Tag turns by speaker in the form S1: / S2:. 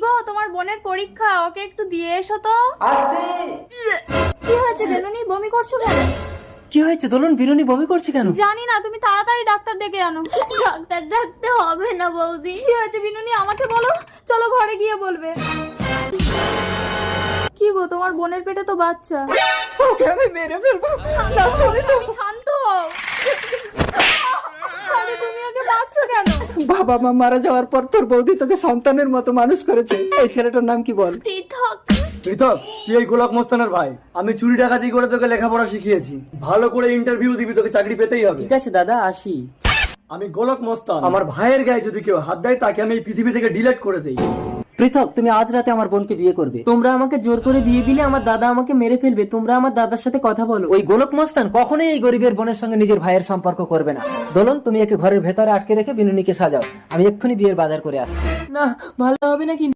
S1: গো, তোমার বোনের পরীক্ষা, ওকে একটু দিয়ে এসো তো। কি হয়েছে বেলুনি, বমি করছো কেন?
S2: কি হয়েছে দোলন? বিনুনি বমি করছে কেন?
S1: জানি না, তুমি তাড়াতাড়ি ডাক্তার ডেকে আনো।
S3: ডাক্তার ডাকতে হবে না বৌদি।
S1: কি হয়েছে বিনুনি, আমাকে বলো, চলো ঘরে গিয়ে বলবে। কি গো, তোমার বোনের পেটে তো বাচ্চা।
S2: ওকে আমি মেরে ফেলবো।
S1: তুমি শান্ত হও। আরে তুমি ওকে মারছো কেন?
S2: বাবা মা মারা যাওয়ার পর তোর বৌদি তোকে সন্তানের মতো মানুষ করেছে। এই ছেলেটার নাম কি বল?
S3: পৃথক।
S4: পৃথক, তুই এই গোলক মস্তানের ভাই। আমি চুরি ডাকাতি করে তোকে লেখাপড়া শিখিয়েছি। ভালো করে ইন্টারভিউ দিবি, তোকে চাকরি পেতেই হবে।
S2: ঠিক আছে দাদা, আসি।
S4: আমি গোলক মস্তান। আমার ভাইয়ের গায়ে যদি কেউ হাত দেয় তাকে আমি এই পৃথিবী থেকে ডিলিট করে দেই।
S2: পৃথক, তুমি আজ রাতে আমার বোনকে বিয়ে করবে। তোমরা আমাকে জোর করে বিয়ে দিলে আমার দাদা আমাকে মেরে ফেলবে। তোমরা আমার দাদার সাথে কথা বলো। ওই গোলক মস্তান কখনোই এই গরিবের বোনের সঙ্গে নিজের ভাইয়ের সম্পর্ক করবে না। দোলন, তুমি একে ঘরের ভেতরে আটকে রেখে বিনুনিকে সাজাও। আমি এক্ষুনি বিয়ের বাজার করে আসছি। না, ভালো হবে না কিন্তু।